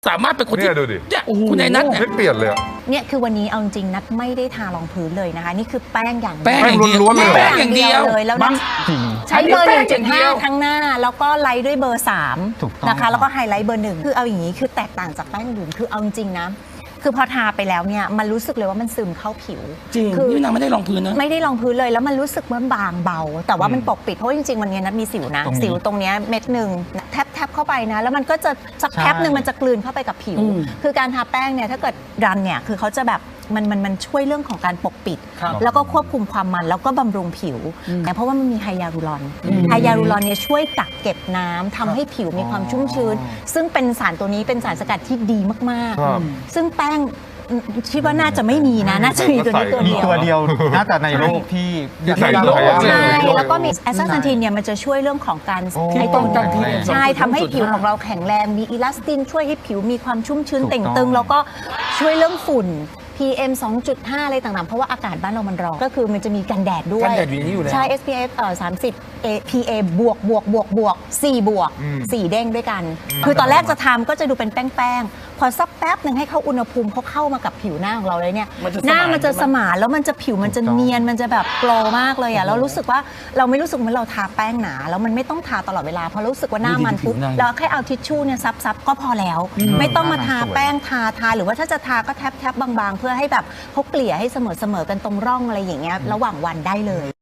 สามารถเป็นคนที่เนี่ยดูดิเนี่ยคุณนายนัทเนี่ยไม่เปลี่ยนเลยอะเนี่ยคือวันนี้เอาจริงๆนัดไม่ได้ทารองพื้นเลยนะคะนี่คือแป้งอย่างแป้งอย่างเดียวล้วนๆเลยแป้งอย่างเดียวเลยแล้วบ้านังทจริงใช้เบอร์แป้งอย่างเดียว 1.5 ทั้งหน้าแล้วก็ไลท์ด้วยเบอร์ถูกต้อง 3นะคะครับแล้วก็ไฮไลท์เบอร์ 1คือเอาอย่างนี้คือแตกต่างจากแป้งอื่นคือเอาจริงๆนะคือพอทาไปแล้วเนี่ยมันรู้สึกเลยว่ามันซึมเข้าผิวจริงคือนี่นางไม่ได้รองพื้นนะไม่ได้รองพื้นเลยแล้วมันรู้สึกว่าบางเบา แต่ว่ามันปกปิดเพราะว่าจริงๆมันเนี้ยนัดมีสิวนะตรงนี้สิวตรงเนี้ยเม็ดหนึ่งแทบเข้าไปนะแล้วมันก็จะสักแป๊บหนึ่งมันจะกลืนเข้าไปกับผิว คือการทาแป้งเนี่ยถ้าเกิดรันเนี่ยคือเขาจะแบบมันช่วยเรื่องของการปกปิดครับแล้วก็ควบคุมความมันแล้วก็บำรุงผิวแต่เพราะว่ามันมีไฮยาลูรอนไฮยาลูรอนเนี่ยช่วยกักเก็บน้ำทำให้ผิวมีความชุ่มชื้น ซึ่งเป็นสารตัวนี้เป็นสารสกัดที่ดีมากครับๆ ซึ่งแป้งคิดว่าน่าจะไม่มีนะน่าจะมีตัวนี้ตัวมีเดียวตัวเดียวน่าจะในโลกที่ใส่โลกใส่ใช่ใช่แล้วก็มีแอสซาซันทีนเนี่ยมันจะช่วยเรื่องของการโอ้ไอ้ตรงป้องกันที่ใช่ทำให้ผิวของเราแข็งแรงมีอิลาสตินช่วยให้ผิวมีความชุ่มชื้นถูกต้องเต่งตึง แล้วก็ช่วยเรื่องฝุ่น PM 2.5 อะไรต่างๆ เพราะว่าอากาศบ้านเรามันร้อนก็คือมันจะมีกันแดดด้วยกันแดดอยู่ในนี้อยู่แล้วใช่ SPF 30 PA บวก4บวก4เด้งด้วยกัน คือตอนแรกจะทำก็จะดูเป็นแป้งๆพอสักแป๊บหนึ่งให้เขาอุณหภูมิเขาเข้ามากับผิวหน้าของเราเลยเนี่ยมันจะหน้าสมานมันจะใช่ไหมสมานแล้วมันจะผิวมันจะเนียนมันจะแบบโกลว์มากเลยอ่ะเรารู้สึกว่าเราไม่รู้สึกเหมือนเราทาแป้งหนาแล้วมันไม่ต้องทาตลอดเวลาเพราะรู้สึกว่าหน้ามันปุ๊บดูดิผิวหน้าเราแค่เอาทิชชู่เนี่ยซับก็พอแล้ว ไม่ต้องมาทาแป้งทาหรือว่าถ้าจะทาก็แทบบางๆ เพื่อให้แบบเขาเกลี่ยให้เสมอกันตรงร่องอะไรอย่างเงี้ยระหว่างวันได้เลย